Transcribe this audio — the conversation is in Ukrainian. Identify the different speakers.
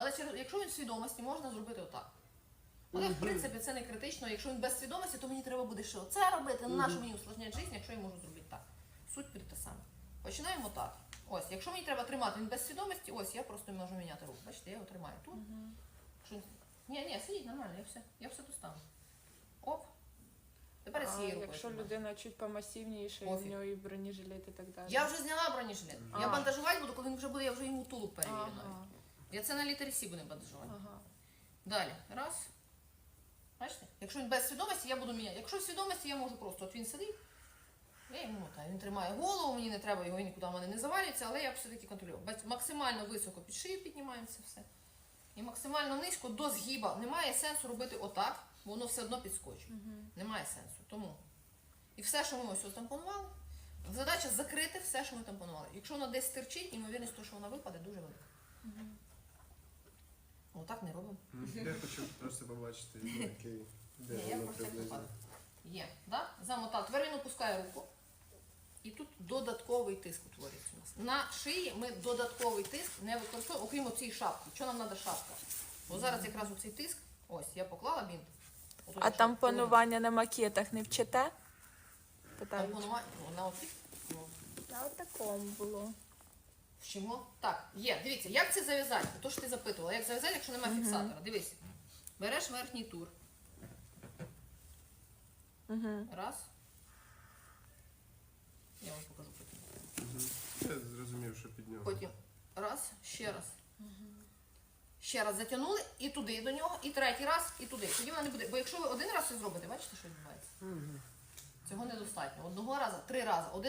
Speaker 1: Але якщо він в свідомості, можна зробити отак. Але, в принципі, це не критично. Якщо він без свідомості, то мені треба буде ще оце робити. На що мені усложняти життя, якщо я можу зробити так. Суть та сама. Починаємо так. Ось, якщо мені треба тримати він без свідомості, ось я просто можу міняти руку. Бачите, я його тримаю тут. Ні, сидіть нормально, я все достану. Оп. Тепер я цією рукою.
Speaker 2: Якщо людина чуть помасивніша, і в нього і бронежилет і так далі.
Speaker 1: Я вже зняла бронежилет. Я бандажувати буду, коли він вже буде, я вже йому тулуб перевірю навіть. Я це на літері Сі буду бандажувати. Далі. Раз. Бачите? Якщо він без свідомості, я буду міняти. Якщо в свідомості, я можу просто, от він сидить, я йому мотаю. Він тримає голову, мені не треба його, нікуди в мене не завалюється, але я все-таки контролюю. Максимально високо під шию піднімаємо це все. І максимально низько до згіба. Немає сенсу робити отак, бо воно все одно підскочить. Немає сенсу. Тому. І все, що ми ось тампонували, задача закрити все, що ми тампонували. Якщо воно десь стирчить, ймовірність того, що вона випаде, дуже велика. Отак не робимо.
Speaker 3: Я хочу просто побачити, який, де
Speaker 1: Я
Speaker 3: воно
Speaker 1: просто
Speaker 3: приблизно.
Speaker 1: Є, да? Замотав. Тепер він опускає руку. І тут додатковий тиск утворюється у нас. На шиї ми додатковий тиск не використовуємо, окрім цієї шапки. Що нам треба шапка? Бо зараз якраз оцей тиск, ось, я поклала бінт.
Speaker 2: А тампонування на макетах не вчите?
Speaker 1: Тампонування, на оці.
Speaker 2: На отакому було.
Speaker 1: Вчимо. Так, є. Дивіться, як це зав'язати? То, що ти запитувала. Як зав'язати, якщо немає фіксатора? Дивись. Береш верхній тур. Раз. Я вам покажу потім.
Speaker 3: Я зрозумів, що під нього.
Speaker 1: Потім раз, ще раз. Ще раз затягнули і туди до нього, і третій раз, і туди. Тоді вона не буде. Бо якщо ви один раз це зробите, бачите, що відбувається? Цього недостатньо. Одного разу, 3 рази.